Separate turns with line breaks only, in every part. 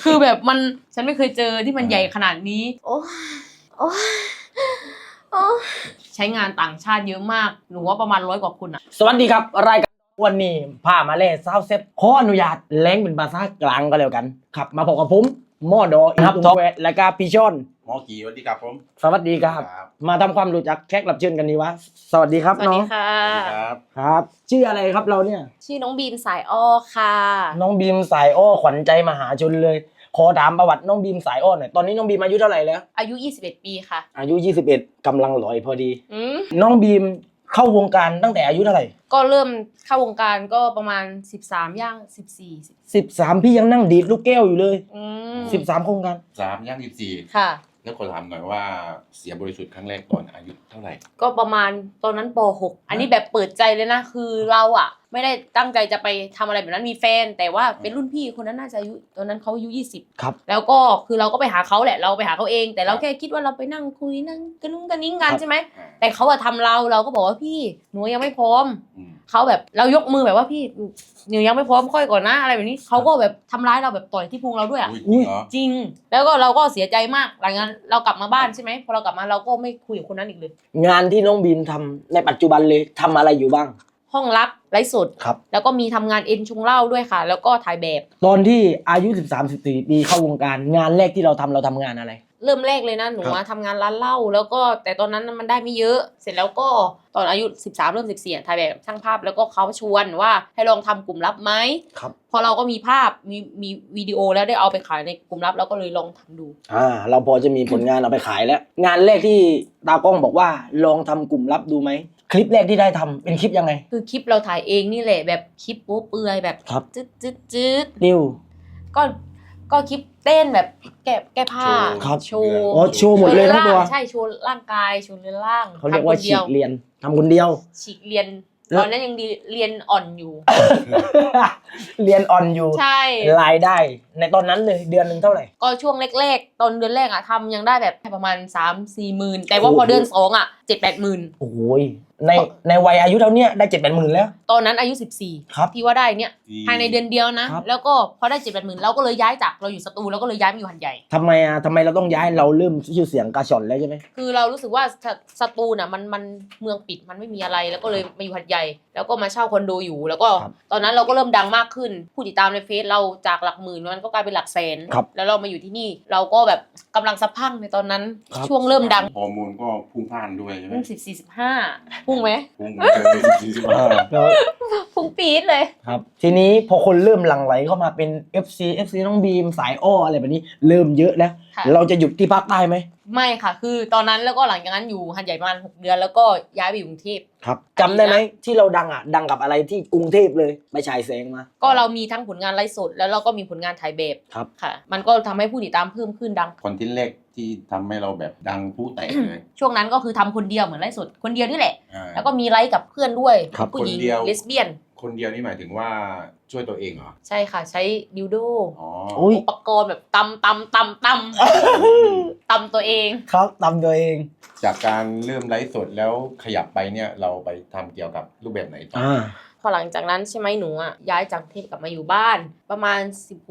คือแบบฉันไม่เคยเจอที่มันใหญ่ขนาดนี้โอ้ใช้งานต่างชาติเยอะมากหนูว่าประมาณ100 กว่าคนอะ
สวัสดีครับรายการวันนี้พามาเล่ซาวเซ็ตขออนุญาตแล้งเป็นภาษากลางก็แล้วกันครับมาพบกับผมหมอดอครับท็อปและก็พี่ชอน
หมอกี่สวัสดีครับผม
สวัสดีครับมาทำความรู้จักแขกรับเชิญกันดีวะสวัสดีครับ
สวัส
น้อ
ดี
ง
ค่ะ
สวัสดีครับ
ครับชื่ออะไรครับเราเนี่ย
ชื่อน้องบีมสายอ้อค่ะ
น้องบีมสายอ้อขวัญใจมหาชนเลยขอถามประวัติน้องบีมสายอ้อหน่อยตอนนี้น้องบีมอายุเท่าไหร่แล้ว
อายุ21 ปีค่ะ
อายุ21กำลังหลอยพอดี
อืม
น้องบีมเข้าวงการตั้งแต่อายุเท่าไหร่
ก็เริ่มเข้าวงการก็ประมาณ13ย่าง14
13พี่ยังนั่งดีดลูกแก้วอยู่เลย
อืม
13โครงการ
3 ย่าง 14
ค่ะ
แล้วขอถามหน่อยว่าเสียบริสุทธิ์ครั้งแรกตอนอายุเท่าไหร่
ก็ประมาณตอนนั้นป .6 อันนี้แบบเปิดใจเลยนะคือเราอะไม่ได้ตั้งใจจะไปทำอะไรแบบนั้นมีแฟน แต่ว่าเป็นรุ่นพี่คนนั้นน่าจะอายุตอนนั้นเขาอายุ20
ครับ
แล้วก็คือเราก็ไปหาเขาแหละเราไปหาเขาเอง แต่เราแค่คิดว่าเราไปนั่งคุยนั่งกระนุ้งกระนิ้งกันใช่ไหมแต่เขาอะทำเราก็บอกว่าพี่หนูยังไม่พร้อม
อืม
เขาแบบเรายกมือแบบว่าพี่หนูยังไม่พร้อมค่อยก่อนนะอะไรแบบนี้เขาก็แบบทำร้ายเราแบบต่อยที่พุงเราด้วยอะ
อุ้ยจริงเหรอ
จริง แล้วก็เราก็เสียใจมากหลังจากนั้นเรากลับมาบ้านใช่ไหมพอเรากลับมาเราก็ไม่คุยกับคนนั้นอีกเลย
งานที่น้องบีมทำในปัจจุบันเลยทำอะไรอยู่บ้าง
ห้องลับไลฟ์สด
ครับ
แล้วก็มีทำงานเอ็นชงเหล้าด้วยค่ะ แล้วก็ถ่ายแบบ
ตอนที่อายุ13-14ปีเข้าวงการงานแรกที่เราทำงานอะไร
เริ่มแรกเลยนะหนู
ครับ
มาทำงานร้านเหล้าแล้วก็แต่ตอนนั้นมันได้ไม่เยอะ เสร็จแล้วก็ตอนอายุ13เริ่ม14ถ่ายแบบช่างภาพแล้วก็เขาชวนว่าให้ลองทำกลุ่มลับไหม
ครับ
พอเราก็มีภาพมีวิดีโอแล้วได้เอาไปขายในกลุ่มลับแล้วก็เลยลองทำดู
เราพอจะมีผลงานเอาไปขายแล้ว งานแรกที่ตากล้องบอกว่าลองทำกลุ่มลับดูไหมคลิปแรกที่ได้ทำเป็นคลิปยังไง
คือคลิปเราถ่ายเองนี่แหละแบบคลิปโป๊เปลือยแบบ
ครับ
จืด
นิว
ก็คลิปเต้นแบบแก้ผ้า
ครับ
โชว์
อ๋อโชว์หมดเลยทั้งตัว
ใช่โชว์ร่างกายโชว์เรือนร่าง
เขาเรียกว่า
ทำคน
ฉี
เดียว
กเรียนทำคนเดียว
ฉีกเรียน
แล้ว
ตอนนั้นยังดีเรียนอ่อนอยู่
เรียนออนอยู่
ใช่
รายได้ในตอนนั้นเลยเดือนหนึ่งเท่าไหร่
ก็ช่วงแรกๆตอนเดือนแรกอะทำยังได้แบบประมาณ 3-4 หมื่นแต่ว่า
โอ้โห
พอเดือน2อะ7-8 หมื่น
โอ้โหยในวัยอายุเท่าเนี้ยได้7-8หมื่นแล้ว
ตอนนั้นอายุ
ครับ
14ที่ว่าได้เนี่ยภายในเดือนเดียวนะครับ แล้วก็พอได้7-8 หมื่นเราก็เลยย้ายจากเราอยู่สตูลเราก็เลยย้ายมาอยู่หัดใหญ่
ทำไมเราต้องย้ายเราเริ่มชื่อเสียงกาชอนแล้วใช่ไหม
คือเรารู้สึกว่าสตูลน่ะมันเมืองปิดมันไม่มีอะไรแล้วก็เลยมาอยู่หัดใหญ่ แล้วก็มาเช่าคอนโดอยู่ แล้วก็ตอนนั้นเราก็เริ่มดังมากขึ้นผู้ติดตามในเฟซเราจากหลักหมื่นมันก็กลายเป็นหลักแสน
ครับ
แล้วเรามาอยู่ที่นี่เราก็แบบกำลังสะพรั่งในตอนนั้น
ครับ
ช่วงเริ่มดัง
ฮอร์โมนก็พุ่งพล่านด้วยใช่ไหม
พุ่ง14-15พุ่งไหม
พุ่งเลย45
แล้ว
พุ่งปี๊ดเลย
ครับทีนี้พอคนเริ่มหลั่งไหลเข้ามาเป็น FC น้องบีมสายอ้ออะไรแบบนี้เริ่มเยอะแล้ว
ค่ะ
เราจะหยุดที่ภาคใต้ไหม
ไม่ค่ะ คือตอนนั้นแล้วก็หลังจากนั้นอยู่หัดใหญ่ประมาณ6 เดือนแล้วก็ย้ายไปอยู่กรุงเทพ
ครับจำได้ไหมที่เราดังกับอะไรที่กรุงเทพเลยไปฉายแสงมา
ก็เรามีทั้งผลงานไลฟ์สดแล้วเราก็มีผลงานถ่ายแบบ
ครับ
ค่ะ มันก็ทำให้ผู้ติดตามเพิ่มขึ้นดัง
คอนเทนต์แรกที่ทำให้เราแบบดังผู้แตกเลย
ช่วงนั้นก็คือทำคนเดียวเหมือนไลฟ์สดคนเดียวนี่แหละ
อ่า
แล้วก็มีไลฟ์กับเพื่อนด้วย
ครับ
ผู้หญิง
คนเดียว
เลสเบี้ยน
คนเดียวนี่หมายถึงว่าช่วยตัวเองเหรอ
ใช่ค่ะใช้ดิวโด
อ๋อ
อุ้ย
อุปกรณ์แบบตำตัวเอง
ครับตามตัวเอง
จากการเริ่มไลฟ์สดแล้วขยับไปเนี่ยเราไปทำเกี่ยวกับรูปแบบไหนต่อ
พอหลังจากนั้นใช่ไหมหนูอ่ะย้ายจากกรุงเทพกลับมาอยู่บ้าน ประมาณ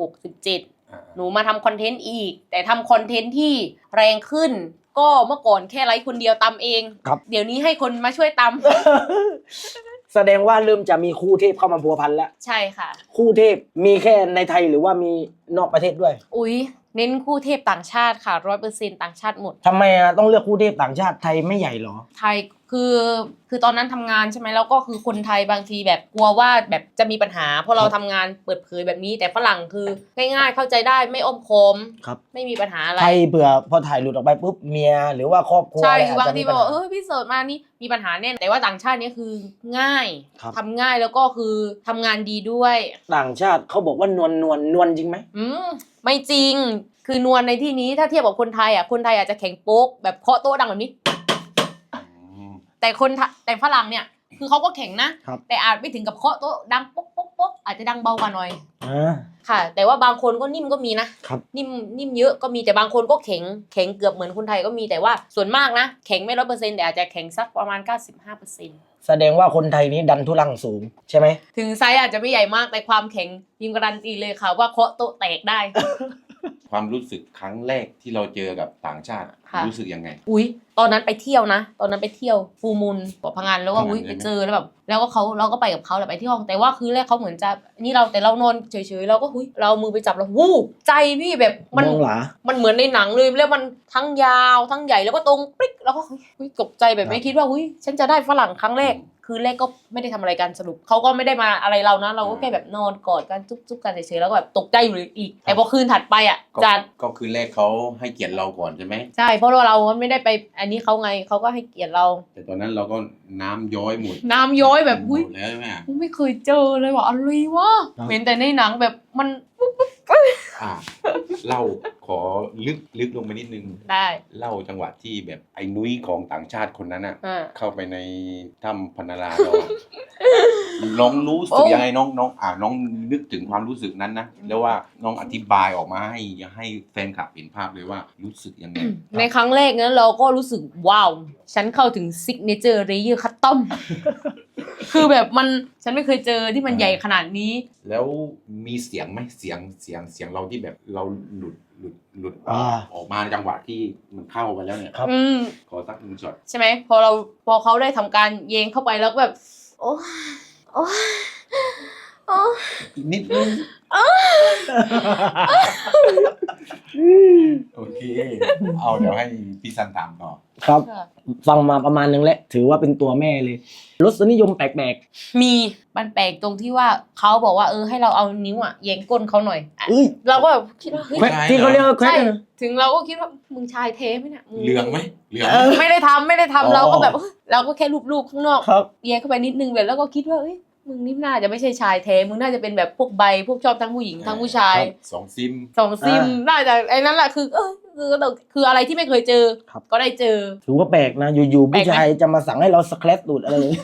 16-17
อ่า
หนูมาทำคอนเทนต์อีก แต่ทำคอนเทนต์ที่แรงขึ้น ก็เมื่อก่อนแค่ไลฟ์คนเดียวตำเอง
ครับ
เดี๋ยวนี้ให้คนมาช่วยต
แสดงว่าเริ่มจะมีคู่เทพเข้ามาพัวพันแล้ว
ำ ใช่ค่ะ
คู่เทพมีแค่ในไทยหรือว่ามีนอกประเทศด้วย
อุ๊ยเน้นคู่เทพต่างชาติค่ะ100%ต่างชาติหมด
ทำไมต้องเลือกคู่เทพต่างชาติไทยไม่ใหญ่เหรอ
ไทยคือตอนนั้นทำงานใช่ไหมแล้วก็คือคนไทยบางทีแบบกลัวว่าแบบจะมีปัญหาเพราะเราทำงานเปิดเผยแบบนี้ แต่ฝรั่งคือง่ายๆเข้าใจได้ไม่อ้อมค้อม
ครับ
ไม่มีปัญหาอะไร
ไทยเผื่อพอถ่ายหลุดออกไปปุ๊บเมียหรือว่าครอบครัว
ใช่
อะไรอาจ
บาง
จะ
ที
มี
บ
ปัญ
อก
หา
พี่เสิร์ชมานี่มีปัญหาแน่แต่ว่าต่างชาตินี่คือง่าย
ครับ
ทำง่ายแล้วก็คือทำงานดีด้วย
ต่างชาติเขาบอกว่านวลจริงไหม
ไม่จริงคือนวลในที่นี้ถ้าเทียบกับคนไทยอ่ะคนไทยอาจจะแข็งโป๊กแบบเคาะโต๊ะดังแบบนี้
อืม
แต่ฝรั่งเนี่ยคือเขาก็แข็งนะ
ครับ
แต่อาจไม่ถึงกับเคาะโต๊ะดังป๊กป๊กป๊กอาจจะดังเบากว่าหน่อย
อ่า
ค่ะ แต่ว่าบางคนก็นิ่มก็มีนะครับ นิ่มเยอะก็มีแต่บางคนก็แข็งเกือบเหมือนคนไทยก็มีแต่ว่าส่วนมากนะแข็งไม่100%แต่อาจจะแข็งสักประมาณ 95%
แสดงว่าคนไทยนี้ดันทุลังสูงใช่ไหม
ถึงไซส์อาจจะไม่ใหญ่มากแต่ความแข็งพิมพ์การันตีเลยค่ะว่าเคาะโต๊ะแตกได้
ความรู้สึกครั้งแรกที่เราเจอกับต่างชาติ
ค่ะ
รู้สึกยังไง
อุ้ยตอนนั้นไปเที่ยวนะ ตอนนั้นไปเที่ยวฟูมูลเกาะพะงันแล้วก็
พะงัน
อุ้ย
ใช่
ไป
ไหม
เจอแล้วแบบแล้วก็เราก็ไปกับเขาแหละไปที่ห้องแต่ว่าคือแรกเขาเหมือนจะนี่เราแต่เรานอนเฉยๆเราก็อุ้ยเราเอามือไปจับแล้ววู้ใจพี่แบบมัน
มองหลา
มันเหมือนในหนังเลยแล้วมันทั้งยาวทั้งใหญ่แล้วก็ตรงปิ๊กแล้วก็เฮ้ยตกใจแบบไม่คิดว่าอุ้ยฉันจะได้ฝรั่งครั้งแรก คือแรกก็ไม่ได้ทำอะไรกันสรุปเขาก็ไม่ได้มาอะไรเรานะเราก็แค่แบบนอนกอดกันจุ๊บๆกันเฉยๆแล้วก็แบบตกใจอยู่อีกแต่พอคืนถัดไปอ่ะ
ก็
จะ
ก็คือแรกเขาให้เกียรติเราก่อนใช่ไหม
ใช่เพราะว่าเราไม่ได้ไปอันนี้เขาไงเขาก็ให้เกียรติเรา
แต่ตอนนั้นเราก็น้ำย้อยหมด
น้ำย้อยแบบ
หม
อุ้ย
ดแล้วใช่ไหม
ไม่เคยเจอเลยว่ะอะไรวะ
ครับ
เห็นแต่ในหนังแบบมัน
อ่าเล่าขอลึกลงไปนิดนึง
ได้
เล่าจังหวะที่แบบไอ้นุ้ยของต่างชาติคนนั้นอ่ะ
อ่า
เข้าไปในถ้ำพนาราเราอะ น้องรู้สึกยังไงน้องน้องนึกถึงความรู้สึกนั้นนะแล้วว่าน้องอธิบายออกมาให้แฟนคลับเห็นภาพเลยว่ารู้สึกยังไง
ในครั้งแรกนั้นเราก็รู้สึกว้าวฉันเข้าถึงซิกเนเจอร์เลเยอร์คัตตอม คือแบบมันฉันไม่เคยเจอที่มันใหญ่ขนาดนี้
แล้วมีเสียงไหมเสียงเราที่แบบเราหลุด
อ่า
ออกมาจังหวะที่มันเข้าไปแล้วเนี่ย
ครับ
ขอสักหนึ่งช็อต
ใช่ไหมพอเขาได้ทำการเยงเข้าไปแล้วก็แบบ โอ้โอ้โอ้
อีกนิดนึงโอเค เอาเดี๋ยวให้พี่ซันตามต่อ
ครับ ฟังมาประมาณนึงแล้วถือว่าเป็นตัวแม่เลยรสนิยมแปลก
มีมันแปลกตรงที่ว่าเขาบอกว่าให้เราเอานิ้วอ่ะเยงก้นเขาหน่อย
ๆเอ้ย
เราก็แบบคิดว่าเฮ้ย
แควะที่เขาเรียกว่าแควะ
ใช่
นะ
ถึงเราก็คิดว่ามึงชายเทไหมเนี่ย
เหลืองไหมเหลือง
ไม่ได้ทำ
อ๋อ
เราก็แบบเราก็แค่รูปๆข้างนอก
ครับ
เยงเข้าไปนิดนึงแบบแล้วก็คิดว่าเอ้ยมึงนี่น่าจะไม่ใช่ชายเทมึงน่าจะเป็นแบบพวกใบพวกชอบทั้งผู้หญิงทั้งผู้ชาย
สองซิม
สองซิมน่าจะไอ้นั่นแหละคืออะไรที่ไม่เคยเจอ
ครับ
ก็ได้เจอ
ถือว่าแปลกนะอยู่ๆ
แปล
ผู้
กไหม
ชายจะมาสั่งให้เราสแครปตูดอะไรอย่างนี้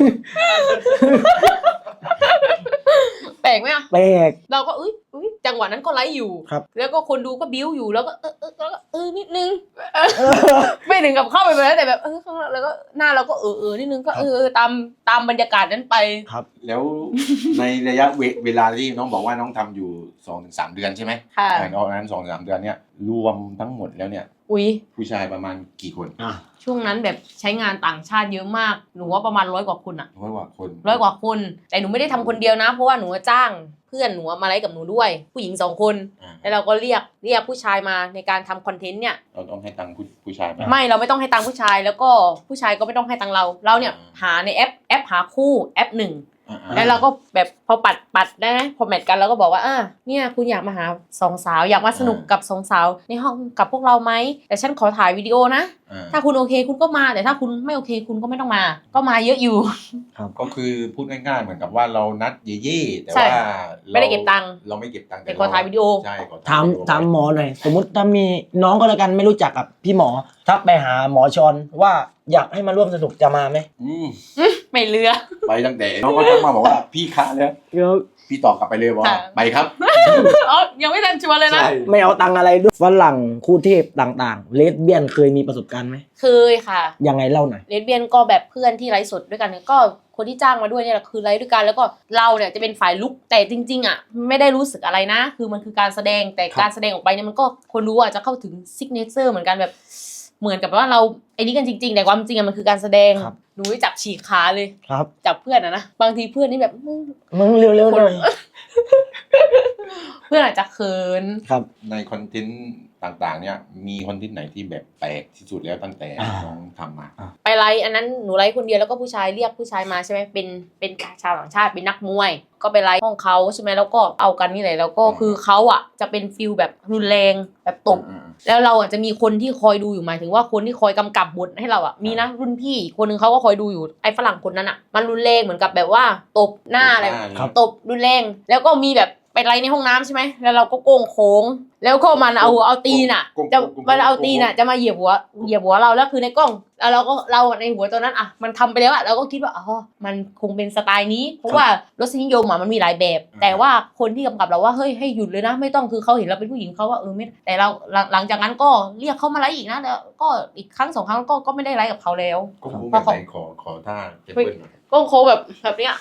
แปลกไหมอ่ะ
แปลก
เราก็อุ้ยจังหวะนั้นก็ไลฟ์อยู่
ครับ
แล้วก็คนดูก็บิ้วอยู่แล้วก็นิดนึง ไม่ถึงกับเข้าไปเลยแต่แบบข้างหลังแล้วก็หน้าเราก็นิดนึงก็ตามบรรยากาศนั้นไป
ครับ
แล้วในระยะเวลาที่น้องบอกว่าน้องทำอยู่ 2-3 เดือนใช่ไหม
ค่ะ
ตอนนั้น 2-3 เดือนเนี่ยรวมทั้งหมดแล้วเนี่ย
อุ้ย
ผู้ชายประมาณกี่คน
ช่วงนั้นแบบใช้งานต่างชาติเยอะมากหนูว่าประมาณ100 กว่าคนอะ
ร้อยกว่าคน
100 กว่าคนแต่หนูไม่ได้ทำคนเดียวนะ เพราะว่าหนูจ้างเพื่อนหนูมาไลฟ์กับหนูด้วย ผู้หญิง2 คน
อ่า
แล้วเราก็เรียกผู้ชายมาในการทำคอนเทนต์เนี่ย
เราต้องให้ตังค์ผู้ชายไหม
ไม่เราไม่ต้องให้ตังค์ผู้ชายแล้วก็ผู้ชายก็ไม่ต้องให้ตังค์เราเนี่ยหาในแอปหาคู่แอป 1
อ่า
แล้วเราก็แบบพอปัดได้ไหมพอแมทกันเราก็บอกว่าเนี่ยคุณอยากมาหา2 สาวอยากมาสนุกกับ2 สาวในห้องกับพวกเราไหมแต่ฉันขอถ่ายวิดีโอนะ ถ้าคุณโอเคคุณก็มาแต่ถ้าคุณไม่โอเคคุณก็ไม่ต้องมา ก็มาเยอะอยู่
ก็คือพูดง่ายๆเหมือนกับว่าเรานัดเย่ๆแต่
ใช่
ว่า
ไม่ได้เก็บตังค์
เราไม่เก็บตังค์
แต่ขอถ่ายวิดีโอ
ใช่ขอ
ถาม
วิดีโอ
ถามหมอหน่อยสมมติถ้ามีน้องก็แล้วกันไม่รู้จักกับพี่หมอทักไปหาหมอชอนว่าอยากให้มาร่วมสนุกจะมาไหม
ไม่เลือ
ไปตั้งแต่น้องก็ทักมาบอกว่าพี่คะเนี่ย
เดี๋ยว
พี่ตอบกลับไปเลยว่า
ค่ะ
ไปครับ
ยังไม่ทันชวนเลยนะ
ใช่
ไม่เอาตังค์อะไรด้วยฝรั่งคู่เทพต่างๆเลสเบี้ยนเคยมีประสบการณ์ไหม
เคยค่ะ
ยังไงเล่าหน่อย
เลสเบี้ยนก็แบบเพื่อนที่ไลฟ์สดด้วยกันก็คนที่จ้างมาด้วยเนี่ยแหละคือไลฟ์ด้วยกันแล้วก็เราเนี่ยจะเป็นฝ่ายลุกแต่จริงๆอ่ะไม่ได้รู้สึกอะไรนะ คือมันคือการแสดงแต่
ครับ
การแสดงออกไปเนี่ยมันก็คนรู้อ่ะจะเข้าถึงซิกเนเจอร์เหมือนกันแบบเหมือนกับว่าเราไอ้นี่กันจริงๆแต่ความจริงอะมันคือการแสดง
ครับ
หนูไปจับฉีกขาเลย
ครับ
จับเพื่อนอะนะบางทีเพื่อนนี่แบบ
มึงเร็วๆหน่อย
เพื่อนอาจจะเขิน
ครับ
ในคอนเทนต์ต่างๆเนี่ยมีคอนเทนต์ไหนที่แบบแปลกที่สุดแล้วตั้งแต่
อ่า
น้องทำมา
ไปไลฟ์อันนั้นหนูไลฟ์คนเดียวแล้วก็ผู้ชายเรียกผู้ชายมาใช่ไหมเป็นชาวต่างชาติเป็นนักมวย ก็ไปไลฟ์ห้องเขาใช่ไหมแล้วก็เอากันนี่แหละแล้วก็คือเขาอ่ะจะเป็นฟิลแบบรุนแรงแบบตบ แล้วเราอ่ะจะมีคนที่คอยดูอยู่หมายถึงว่าคนที่คอยกำกับบทให้เราอ่ะมีนะรุ่นพี่อีกคนนึงเขาก็คอยดูอยู่ไอ้ฝรั่งคนนั้นอ่ะมันรุนแรงเหมือนกับแบบว่าตบหน้าอะไร
ครับ
ตบรุนแรงแล้วก็มีแบบไปไลฟ์ในห้องน้ำใช่ไหมแล้วเราก็โกงโค้งแล้วก็มันเอาตีนอ่ะจะมันเอาตีนอ่ะจะมาเหยียบหัวเราแล้วคือในกล้องแล้วเราในหัวตอนนั้นอ่ะมันทำไปแล้วอ่ะเราก็คิดว่ามันคงเป็นสไตล์นี้เพราะว่ารสนิยมอ่ะมันมีหลายแบบ แต่ว่าคนที่กำกับเราว่าเฮ้ยให้หยุดเลยนะไม่ต้องคือเขาเห็นเราเป็นผู้หญิงเขาว่าไม่แต่เราหลังจากนั้นก็เรียกเขามาไลฟ์อีกนะแล้วก็อีกครั้ง2 ครั้งก็ไม่ได้ไลฟ์กับเขาแล้ว
ก็คงแบบไหนขอท่าเจเปิ้ลหน่อย
ก็โค้งแบบเนี้ย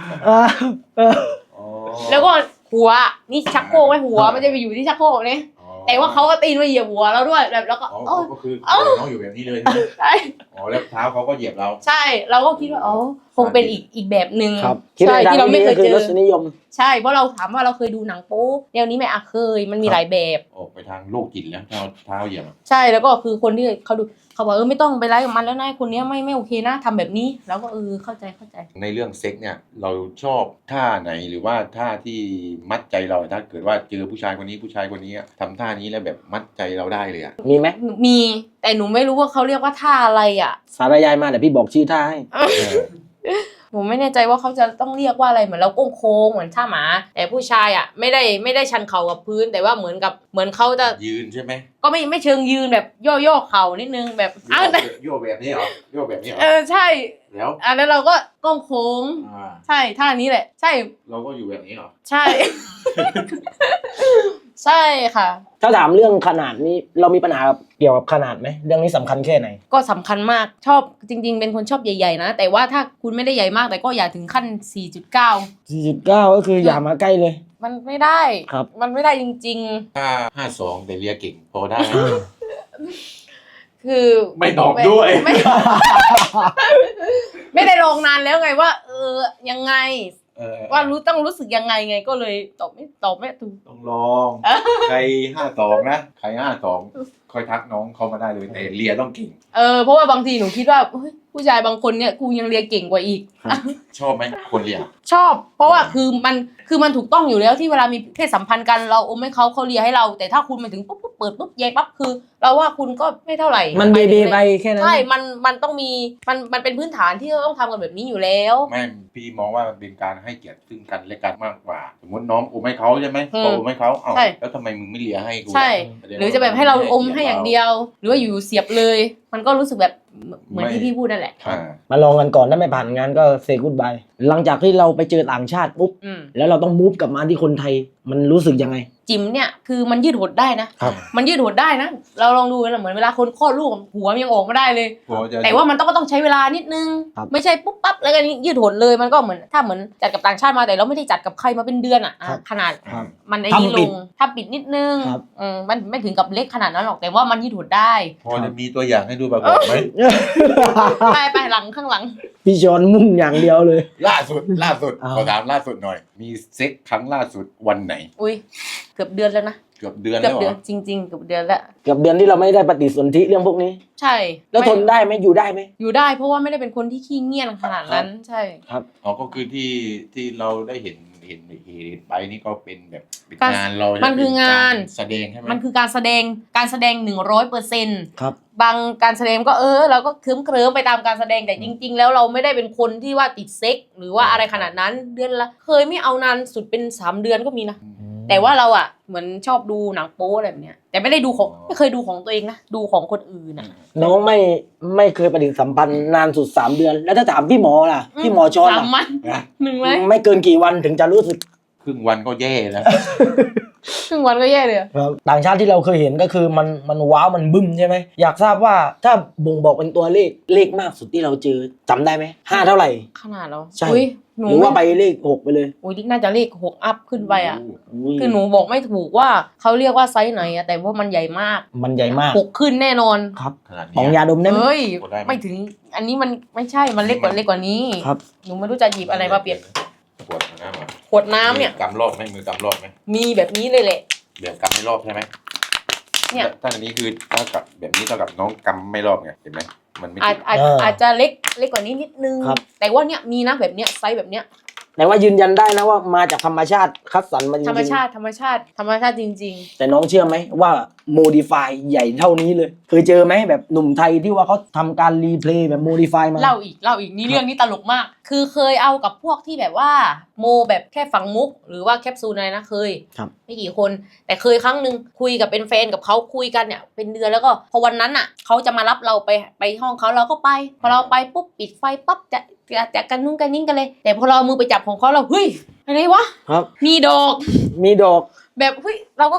เออ
อ๋อ
แล้วก็หัวนี่ชักโครกไว้หัวมันจะไปอยู่ที่ชักโครกเนี่ย
อ๋อ
แต่ว่าเขาก็ตีนมาเหยียบหัวเราด้วยแบบแล้วก็
อ๋อก็คือน้องอยู่แบบนี้เลย
ใช่
อ๋อแล้วเท้าเขาก็เหยียบเรา
ใช่เราก็คิดว่าคงเป็นอีกแบบหนึ่ง
ครับคิด
ใช่
ในทาง
ที่เรา
ที่
ไม่
ดี
เค
ก็
ย
คื
เจ
อร
อ
สนิยม
ใช่เพราะเราถามว่าเราเคยดูหนังโป๊แนวนี้ไหมเคยมันมีหลายแบบ
ออกไปทางโรคจิตแล้วเท้าเหยียบ
ใช่แล้วก็คือคนที่เขาดูเขาบอกไม่ต้องไปไล่กับมันแล้วนายคนเนี้ยไม่โอเคนะทำแบบนี้แล้วก็เข้าใจ
ในเรื่องเซ็กเนี่ยเราชอบท่าไหนหรือว่าท่าที่มัดใจเราถ้าเกิดว่าเจอผู้ชายคนนี้ทำท่านี้แล้วแบบมัดใจเราได้เลยอ่ะ
มีไหม
มีแต่หนูไม่รู้ว่าเขาเรียกว่าท่าอะไรอ่ะ
สารยายมาเดี๋ยวพี่บอกชื่อท่าให้
หนูไม่แน่ใจว่าเขาจะต้องเรียกว่าอะไรเหมือนเราโค้งเหมือนท่าหมา แต่ผู้ชายอ่ะไม่ได้ชันเข่ากับพื้น แต่ว่าเหมือนเขาจะ
ยืนใช่ไหม
ก็ไม่เชิงยืนแบบย่อเข่านิดนึงแบบแต่
โยกแบบนี้เหรอโยกแบบนี้เหรอ
ใช่
แล้ว
แล้วเราก็โค้ง
อ่า
ใช่ท่านี้แหละ ใช่
เราก็อยู่แบบนี้เหรอ
ใช่ ใช่ค่ะ
ถ้าถามเรื่องขนาดนี้เรามีปัญหาเกี่ยวกับขนาดไหมเรื่องนี้สำคัญแค่ไหน
ก็สำคัญมากชอบจริง ๆ เป็นคนชอบใหญ่ๆนะแต่ว่าถ้าคุณไม่ได้ใหญ่มากแต่ก็อย่าถึงขั้น 4.9
4.9 ก็คืออย่ามาใกล้เลย
มันไม่ได้
ครับ
มันไม่ได้จริง
ถ้า52แต่เรียเก่งพอได้ไหม
ๆ คือ
ไม่ตอบด้วย
ไม่ได้ลองนานแล้วไงว่า ยังไง ว่าต้องรู้สึกยังไงไงก็เลยตอบไม่ถูก
ต้องลอง ใคร52นะใคร52ค่อยทักน้องเขามาได้เลยแต่เรียต้องเก่ง
เพราะว่าบางทีหนูคิดว่าเฮ้ยผู้ชายบางคนเนี่ยกูยังเรียนเก่งกว่าอีก
ชอบไหมคนเรีย
ชอบ เพราะว่าคือมันถูกต้องอยู่แล้วที่เวลามีเพศสัมพันธ์กันเราอมให้เขาเลียให้เรา แต่ถ้าคุณมาถึงปุ๊บเปิดปุ๊บเยปั๊บคือ เราว่าคุณก็ไม่เท่าไหร่
มันเบเบไปแค่นั้น
ใช่มันต้องมีมันเป็นพื้นฐานที่เราต้องทำกันแบบนี้อยู่แล้ว
ไม่พี่มองว่ามันเป็นการให้เกียรติซึ่งกันและกันมากกว่า สมมติน้องอมให้เขาใช่ไหม
อืม
เขาอมให้เขาเอ้า
ใช่
แล้วทำไมมึงไม่เลียให้กู
ใช่
แสดงว่า
หรือจะแบบให้เราอมให้อย่างเดียว หรือว่าอยู่เสียบเลย มันก็รู้สึกแบบเหมือนที่พี่พูดนั่นแหละ
อ่า
มาลองกันก่อนถ้าไม่ผ่านงานก็เซกูดบายหลังจากที่เราไปเจอต่างชาติปุ๊บ
อืม
แล้วเราต้องมูฟกลับมาที่คนไทยมันรู้สึกยังไง
จิ๋มเนี่ยคือมันยืดหดได้นะครับ มันยืดหดได้นะเราลองดูนะเหมือนเวลาคนคลอดลูกหัวมันยังออกมาได้เลย
พอจะ
แต่ว่ามันต้องใช้เวลานิดนึง
ครับ
ไม่ใช่ปุ๊บปั๊บแล้วก็ยืดหดเลยมันก็เหมือนถ้าเหมือนจัดกับต่างชาติมาแต่เราไม่ได้จัดกับใครมาเป็นเดือนขนาด
ครับ
มันไอ้นี้ลงถ้าปิดนิดนึง
ครับ
มันไม่ถึงกับเล็กขนาดนั้นหรอกแต่ว่ามันยืดหดได้
พอจะมีตัวอย่างให้ดูปรากฏไหม
ไปหลังข้างหลัง
พี่ชอนมุ่งอย่างเดียวเลย
ล่าสุด
อ้าว
ขอถามล่าสุดหน่อย มีเซ็กครั้งล่าสุดวันไหน
อุ้ยเกือบเดือนแล้วนะ
เกือบเดือน
เกื
แล้
อบ
วเห
เดื
ร
อน
อ
จริงๆเกือบเดือนแล้ว
เกือบเดือนที่เราไม่ได้ปฏิสนธิเรื่องพวกนี้
ใช่
แล้วทนได้ไหมอยู่ได้ไหม
อยู่ได้เพราะว่าไม่ได้เป็นคนที่ขี้เงียจขนาดนั้นใช่
อ๋อก็คือที่เราได้เห็นไปนี่ก็เป็นแบบเป็น
การ
งานเรา
มันคืองาน
แสดงใช่ไหม
มันคือการแสดง100%
ครับ
บางการแสดงก็เราก็เคลิ้มไปตามการแสดงแต่จริง ๆ แล้วเราไม่ได้เป็นคนที่ว่าติดเซ็กหรือว่าอะไรขนาดนั้นเดือนละเคยไม่เอานานสุดเป็น3 เดือนก็มีนะแต่ว่าเราอ่ะเหมือนชอบดูหนังโป๊อะไรแบบเนี้ยแต่ไม่ได้ดูของไม่เคยดูของตัวเองนะดูของคนอื่นนะ
น้องไม่เคยปฏิสัมพันธ์นานสุด3 เดือน แล้วถ้าถามพี่หมอล่ะพี่หมอชอน
3
ล่ะ
วัน
นะ
1 ไหม
ไม่เกินกี่วันถึงจะรู้สึก
ครึ่งวันก็แย่แล้ว
ครึ่งวันก็แย่เลยอะ
ครับต่างชาติที่เราเคยเห็นก็คือมันว้าวมันบึ้มใช่ไหมอยากทราบว่าถ้าบ่งบอกเป็นตัวเลขมากสุดที่เราเจอจำได้ไหม5 เท่าไหร่
ขนาดเรา
ใช่
อุ้ยหนู
หรือว่าไปเลข 6 ไปเลย
อุ้ยน่าจะเลข6 อัพขึ้นไปอ่ะ
อุ้ย
คือหนูบอกไม่ถูกว่าเขาเรียกว่าไซส์ไหนอะแต่ว่ามันใหญ่มาก
มันใหญ่มาก
6 ขึ้นแน่นอน
ครับ
ขนาด
ของ
นี้
ยาดมได้ไหม
เฮ้ย
กดได้ไหม
ไม่ถึงอันนี้มันไม่ใช่มันเล็กกว่านี้
ครับ
หนูไม่รู้จะหยิบอะไรมาเปรียบ
ขวดน้ำอ่ะ
ขวดน้ำเนี่ย
มือกำรอบไหมมือกำรอบไหม
มีแบบนี้เลยแหละ
แบบกำไม่รอบใช่ไหม
เนี่ย
ถ้าอันนี้คือเท่ากับแบบนี้เท่ากับน้องกำไม่รอบไงเห็นไหมมันไม่
อาจ
ถึง
อาจจะเล็กกว่านี้นิดนึง
ครับ
แต่ว่าเนี่ยมีนะแบบเนี้ยไซส์แบบเนี้ย
แต่ว่ายืนยันได้นะว่ามาจากธรรมชาติคัดสรรมาจริงๆ
ธรรมชาติจริง
แต่น้องเชื่อไหมว่าโมดิฟายใหญ่เท่านี้เลย เคยเจอไหมแบบหนุ่มไทยที่ว่าเขาทำการรีเพลย์แบบโมดิฟายมา
ๆเล่าอีกนี่เรื่องนี้ตลกมาก คือเคยเอากับพวกที่แบบว่าโมแบบแค่ฝังมุก หรือว่าแคปซูลอะไรนะเคย
ครับ
ไม่กี่คน แต่เคยครั้งหนึ่งคุยกับเป็นแฟนกับเขาคุยกันเนี่ยเป็นเดือนแล้วก็พอวันนั้นอ่ะเขาจะมารับเราไปห้องเขาเราก็ไปพอเราไปปุ๊บปิดไฟปั๊บจะกันนุ่งกันนิ่งกันเลย แต่พอเราเอามือไปจับของเขาเราเฮ้ยอะไรวะ
ครับ
มีดอก
มีดอก
แบบเฮ้ยเราก็เฮ้ย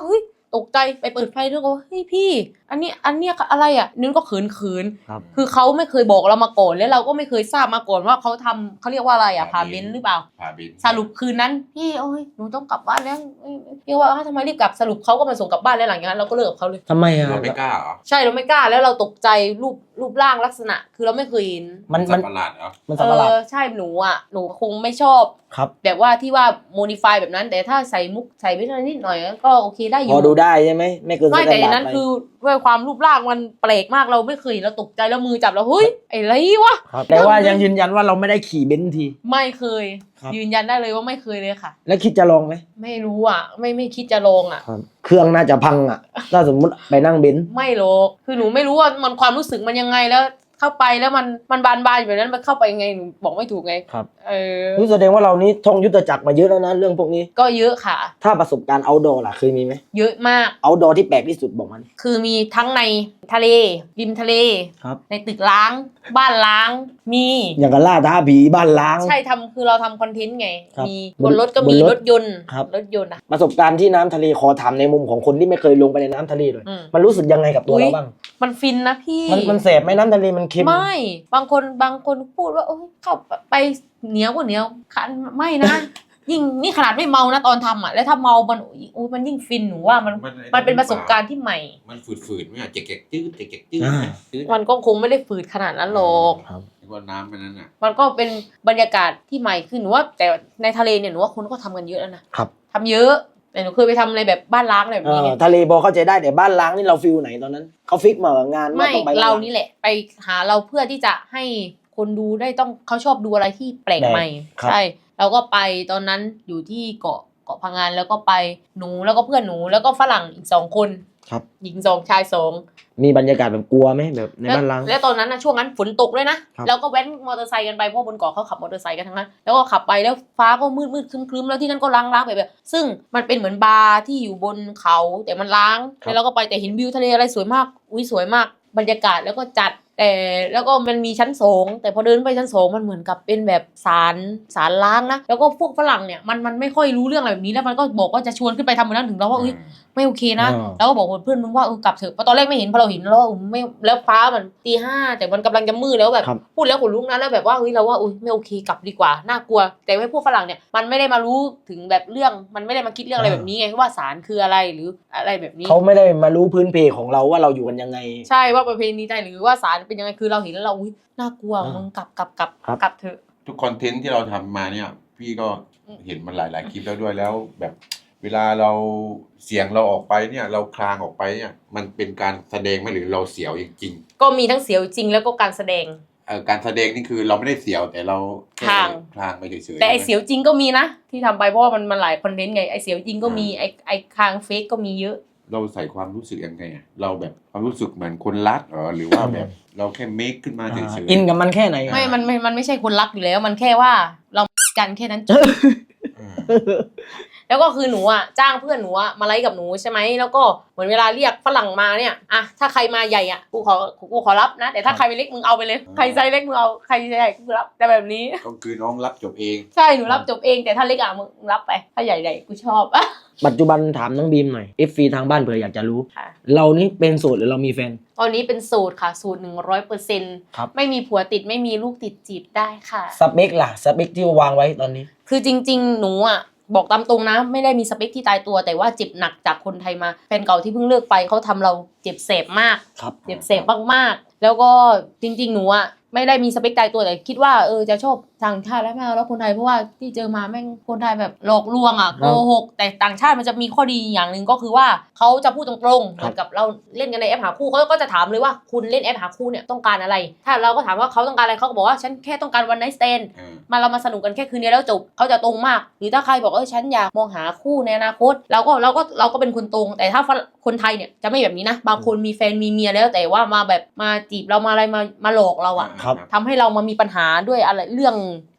ตกใจไปเปิดไฟด้วยก็เฮ้ยพี่อันนี้อะไรอ่ะนึกก็เขิน
ครับ
คือเขาไม่เคยบอกเรามาก่อนแล้วเราก็ไม่เคยทราบมาก่อนว่าเขาทำเขาเรียกว่าอะไรอ่ะพาเบนซ์หรือเปล่า
พาเบนซ์
สรุปคืนนั้นพี่โอ้ยหนูต้องกลับบ้านแล้วพี่ว่าทำไมรีบกลับสรุปเขาก็มาส่งกลับบ้านแล้วหลังจากนั้นเราก็เลิกกับเขาเลย
ทำไมอ่ะ
เราไม่กล้าเหรอ
ใช่เราไม่กล้าแล้วเราตกใจรูปร่างลักษณะคือเราไม่เคยเห็น
มัน
สัตว์ประหลาดเหรอ
มันสับประหลาด
ใช่หนูคงไม่ชอบ
ครับ
แบบว่าที่ว่าโมดิฟายแบบนั้นแต่ถ้าใส่มุกใส่วิตามินนิดหน่อยก็โอเคได้อ
พอยู่ ดูได้ใช่ไหมไม่เกิน
ไม่แต่อันนั้น
ไป
คือด้วยความรูปร่างมันแปลกมากเราไม่เคยเห็นเราตกใจแล้วมือจับแล้วเฮ้ยไอ้ไรวะ
ครับแต่ว่ายังยืนยันว่าเราไม่ได้ขี่เบนซ์ที
ไม่เคย
ครับ
ยืนยันได้เลยว่าไม่เคยเลยค่ะ
แล้วคิดจะลองไหม
ไม่รู้อ่ะไม่คิดจะลองอ่ะ
ครับเครื่องน่าจะพังอ่ะถ้าสมมุติไปนั่งเบนซ์
ไม่หรอกคือหนูไม่รู้ว่ามันความรู้สึกมันยังไงแล้วเข้าไปแล้วมันบานอยู่แบบนั้นมันเข้าไปยังไงหนูบอกไม่ถูกไง
ครับ
อ
แสดงว่าเรานี้ท่องยุทธจักรมาเยอะแล้วนะเรื่องพวกนี้
ก็เยอะค่ะ
ถ้าประสบการณ์ outdoor ล่ะเคยมีไหม
เยอะมาก
outdoor ที่แปลกที่สุดบอกมัน
คือมีทั้งในทะเลริมทะเล
ครับ
ในตึกล้าง บ้านล้าง มี
อย่างกับล่าท้าผีบ้านล้าง
ใช่คือเราทำคอนเทนต์ไง
ครับ
มีบนรถก็มี
บนรถ
รถยนต์
ครับ
รถยนต์อ่ะ
ประสบการณ์ที่น้ำทะเลขอถามในมุมของคนที่ไม่เคยลงไปในน้ำทะเลเลย
อืม
มันรู้สึกยังไงกับตัว
อุ๊ย
เราบ้าง
มันฟินนะพี่
มันแสบไหมน้ำทะเลมันเค็ม
ไม่บางคนพูดว่าโอ้ยเข้าไปเหนียวกว่าเหนียวคันไม่นะ ยิ่งนี่ขนาดไม่เมานะตอนทำอ่ะแล้วถ้าเมามันอุ้ยมันยิ่งฟินหนูว่ามันเป็นประสบการณ์ที่ใหม่
มันฝืดๆไหมอ่ะเจ๊กๆจืดเจ๊กๆจืด
อ่า
จืด
มันก็คงไม่ได้ฝืดขนาดนั้นหรอก
ครับ
ว่าน้ำมันนั้นอ่ะ
มันก็เป็นบรรยากาศที่ใหม่ขึ้นหนูว่าแต่ในทะเลเนี่ยหนูว่าคนก็ทำกันเยอะแล้วนะครับ ทำเยอะแต่หนูเคยไปทำอะไรแบบบ้านล้างอะไรแบบนี้ไง
ทะเลพอเข้าใจได้แต่บ้านล้างนี่เราฟิลไหนตอนนั้นเขาฟิกมากับงานว่า
ไม่
ต้องไปบ้น
เรา
ล้ง
นี่แหละไปหาเราเพื่อที่จะให้คนดูได้ต้องเขาชอบดูอะไรที่แปลกใหม่
ครับ
ใช่เราก็ไปตอนนั้นอยู่ที่เกาะพังงานแล้วก็ไปหนูแล้วก็เพื่อนหนูแล้วก็ฝรั่งอีก2 คน
ครับ
หญิง2ชาย2
มีบรรยากาศแบบกลัวไหมแบบในบ้านล้าง
แล้วตอนนั้นนะช่วงนั้นฝนตกด้วยนะครับ แล้วก็แว้นมอเตอร์ไซค์กันไปเพราะบนเกาะเขาขับมอเตอร์ไซค์กันทั้งนั้นแล้วก็ขับไปแล้วฟ้าก็มืดครึ้มๆแล้วที่นั่นก็ล้างแบบซึ่งมันเป็นเหมือนบาร์ที่อยู่บนเขาแต่มันล้างแล้วเราก็ไปแต่เห็นวิวทะเลอะไรสวยมากอุ้ยสวยมากบรรยากาศแล้วก็จัดแต่แล้วก็มันมีชั้น2แต่พอเดินไปชั้น2มันเหมือนกับเป็นแบบศาลล้างนะแล้วก็พวกฝรั่งเนี่ยมันไม่ค่อยรู้เรื่องอะไรแบบนี้แล้วมันก็บอกว่าจะชวนขึ้นไปทำบนนั้นถึงเราว่าอุ้ยไม่โอเคนะ
อ่า
แล้วก็บอกเพื่อนมึงว่ากลับเถอะเพราะตอนแรกไม่เห็นพอเราเห็นแล้วไม่แล้วฟ้ามันตี 5แต่มันกำลังจะมืดแล้วแบบ
ครับ
พูดแล้วขนลุกนะแล้วแบบว่าเราว่าไม่โอเคกลับดีกว่าน่ากลัว แต่ให้พวกฝรั่งเนี่ยมันไม่ได้มารู้ถึงแบบเรื่องมันไม่ได้มาคิดเรื่องอะไรแบบนี้ไงว่าศาลคืออะไรหรืออะไรแบบนี้
เขาไม่ได้มารู้พื้นเพของเราว่าเราอยู่กันยังไง
ใช่ว่าประเพณีไทยหรือว่าศาลเป็นยังไงคือเราเห็นแล้วเราน่ากลัว
อ่ามึ
มึงกลับ
ครับ
กลับเถอะ
ทุกคอนเทนต์ที่เราทำมาเนี่ย พี่ก็เห็นมันหลายคลิปแล้วด้วยแล้วแบบเวลาเราเสียงเราออกไปเนี่ยเราคลางออกไปเนี่ยมันเป็นการแสดงไหมหรือเราเสียวจริง
ก็มีทั้งเสียวจริงแล้วก็การแสดง
ๆการแสดงนี่คือเราไม่ได้เสียวแต่เราแ
คลาง
คลางไปเฉยๆ
แต่ไอเสียวจริงก็มีนะที่ทำไปเพราะว่ามันหลายคอนเทนต์ไงไอเสียวจริงก็มีไอคางเฟกก็มีเยอะ
เราใส่ความรู้สึกยังไงอะเราแบบความรู้สึกเหมือนคนรักหรือว่าแบบเราแค่เมคขึ้นมาเฉยๆ
อินกับมันแค่ไหน
มันไม่ใช่คนรักอยู่แล้ว มันแค่ว่าเรากันแค่นั้นจบ
อืม
แล้วก็คือหนูอ่ะจ้างเพื่อนหนูอ่ะมาไลฟ์กับหนูใช่ไหมแล้วก็เหมือนเวลาเรียกฝรั่งมาเนี่ยอะถ้าใครมาใหญ่อ่ะกูขอรับนะแต่ถ้าใครเล็กมึงเอาไปเลยใครไซส์เล็กมึงเอาใครไซส์ใหญ่กูรับแต่แบบนี้
ก็คือน้องรับจบเอง
ใช่หนูรับจบเองแต่ถ้าเล็กอ่ะมึงรับไปถ้าใหญ่ๆกูชอบ
ปัจจุบันถามน้องบีมหน่อย FC ทางบ้านเผื่ออยากจะรู้
ค่ะ
เรานี่เป็นโสดหรือเรามีแฟน
ตอนนี้เป็นสูตรค่ะสูตร 100%
ครับ
ไม่มีผัวติดไม่มีลูกติดจีบได้ค่ะ
สเปคล่ะสเปคที่วางไว้ตอนนี้
คือจริงๆ หนูอ่ะบอกตามตรงนะ ไม่ได้มีสเปคที่ตายตัวแต่ว่าเจ็บหนักจากคนไทยมาแฟนเก่าที่เพิ่งเลิกไปเขาทำเราเจ็บเสพมาก
ครับ
เจ็บเสพมากๆแล้วก็จริงๆ หนูอ่ะไม่ได้มีสเปคตายตัวแต่คิดว่าจะชอบต่างชาติแล้วไม่เอาแล้วคนไทยเพราะว่าที่เจอมาแม่งคนไทยแบบหลอกลวงอ่ะ
ครั
โก
บ
หกแต่ต่างชาติมันจะมีข้อดีอย่างหนึ่งก็คือว่าเขาจะพูดตรงๆเหมือนกับเราเล่นกันในแอปหาคู่เขาก็จะถามเลยว่าคุณเล่นแอปหาคู่เนี่ยต้องการอะไร ถ้าเราก็ถามว่าเขาต้องการอะไรเขาก็บอกว่าฉันแค่ต้องการวันไนท์สแตน เรามาสนุกกันแค่คืนเดียวแล้วจบเขาจะตรงมาก หรือถ้าใครบอกฉันอยากมองหาคู่ในอนาคตเราก็เป็นคนตรง แต่ถ้าคนไทยเนี่ยจะไม่แบบนี้นะ บางคนมีแฟนมีเมียแล้วแต่ว่ามาแบบมาจีบเรามาอะไรมาหลอกเราอะ
ครับ
ทำให้เรามามีปัญหาด้วยอะไรเรื่อง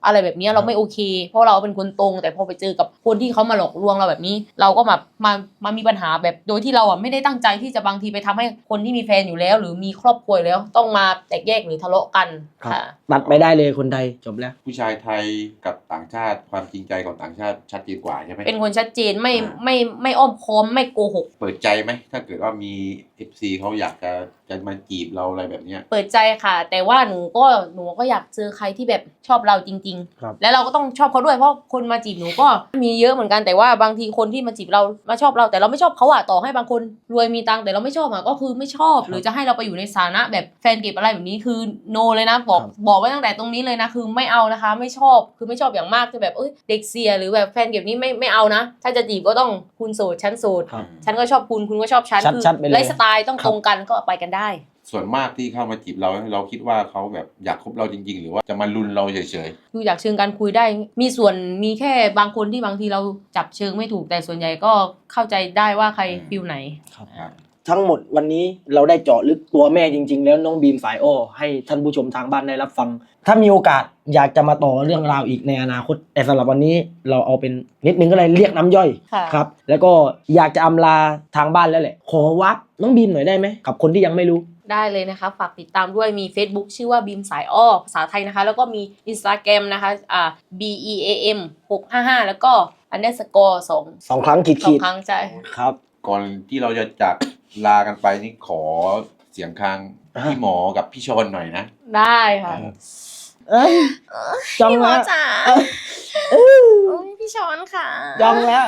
อะไรแบบนี้เราไม่โอเค เพราะเราเป็นคนตรงแต่พอไปเจอกับคนที่เขามาหลอกลวงเราแบบนี้ เราก็มามีปัญหาแบบโดยที่เราอ่ะไม่ได้ตั้งใจที่จะบางทีไปทำให้คนที่มีแฟนอยู่แล้ว หรือมีครอบครัวอยู่แล้วต้องมาแตกแยกหรือทะเลาะกัน
ครับ
ค่ะ
ตัดไปได้เลยคนไทยจบแล้ว
ผู้ชายไทยกับต่างชาติความจริงใจของต่างชาติชัดเจนกว่าใช่ไหม
เป็นคนชัดเจนไม่อ้อมค้อมไม่โกหก
เปิดใจไหมถ้าเกิดว่ามี FC เขาอยากจะมาจีบเราอะไรแบบเนี้ย
เปิดใจค่ะ แต่ว่าหนูก็อยากเจอใครที่แบบชอบเราจริง
ครับ
ๆ แล้วเราก็ต้องชอบเขาด้วยเพราะคนมาจีบหนูก็มีเยอะเหมือนกันแต่ว่าบางทีคนที่มาจีบเรามาชอบเราแต่เราไม่ชอบเขาอะต่อให้บางคนรวยมีตังค์แต่เราไม่ชอบอะก็คือไม่ชอบ หรือจะให้เราไปอยู่ในสถานะแบบแฟนเก็บอะไรแบบนี้คือโนเลยนะบอกไว้ตั้งแต่ตรงนี้เลยนะคือไม่เอานะคะไม่ชอบคือไม่ชอบอย่างมากจะแบบเด็กเสียหรือแบบแฟนเก็บนี้ไม่เอานะถ้าจะจีบก็ต้องคุณโสดฉันโสด
ครับ
ฉันก็ชอบคุณก็ชอบฉันคือ
ชัดๆไปเลย
ไลฟ์สไตล์ต้องตรงกันก็ไปกันได้
ส่วนมากที่เข้ามาจีบเราคิดว่าเขาแบบอยากคบเราจริง ๆ หรือว่าจะมาลุนเราเฉย
ดูจากเชิงการคุยได้มีส่วนมีแค่บางคนที่บางทีเราจับเชิงไม่ถูกแต่ส่วนใหญ่ก็เข้าใจได้ว่าใครฟิลไหน
ครับ
ๆครับ
ทั้งหมดวันนี้เราได้เจาะลึกตัวแม่จริง ๆ แล้วน้องบีมสายอ้อให้ท่านผู้ชมทางบ้านได้รับฟัง ถ้ามีโอกาสอยากจะมาต่อเรื่องราวอีกในอนาคตแต่สำหรับวันนี้เราเอาเป็นนิดนึงก็เลยเรียกน้ำย่อย
ค่ะ
ครับ แล้วก็อยากจะอำลาทางบ้านแล้วแหละขอวับน้องบีมหน่อยได้ไหมกับคนที่ยังไม่รู้
ได้เลยนะคะฝากติดตามด้วยมี Facebook ชื่อว่าบีมสายอ้อภาษาไทยนะคะ แล้วก็มี Instagram นะคะBEAM 655แล้วก็ underscore
2 ครั้งขี
สอง
ด
ครั้งใช่
ๆครับ
ก่อนที่เราจะจากลากันไปนี่ขอเสียงคางพี่หมอกับพี่ชนหน่อยนะ
ได้ค่ะ
เอ้ยจอง
พี่หมอ
แล้ว
จ๋าพี่ช้อนค่ะ
จองแล้ว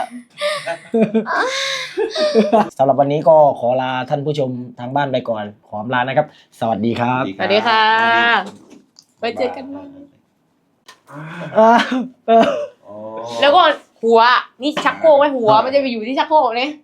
สำหรับวันนี้ก็ขอลาท่านผู้ชมทางบ้านไปก่อน ขออำลานะครับ สวัสดีครับ
สวัสดีค่ะ ไว้เจอกันใหม่
เออ
อ๋อ
แล้วก็หัวนี่ชักโครกไว้หัวมันจะไปอยู่ที่ชักโครกเนี่ย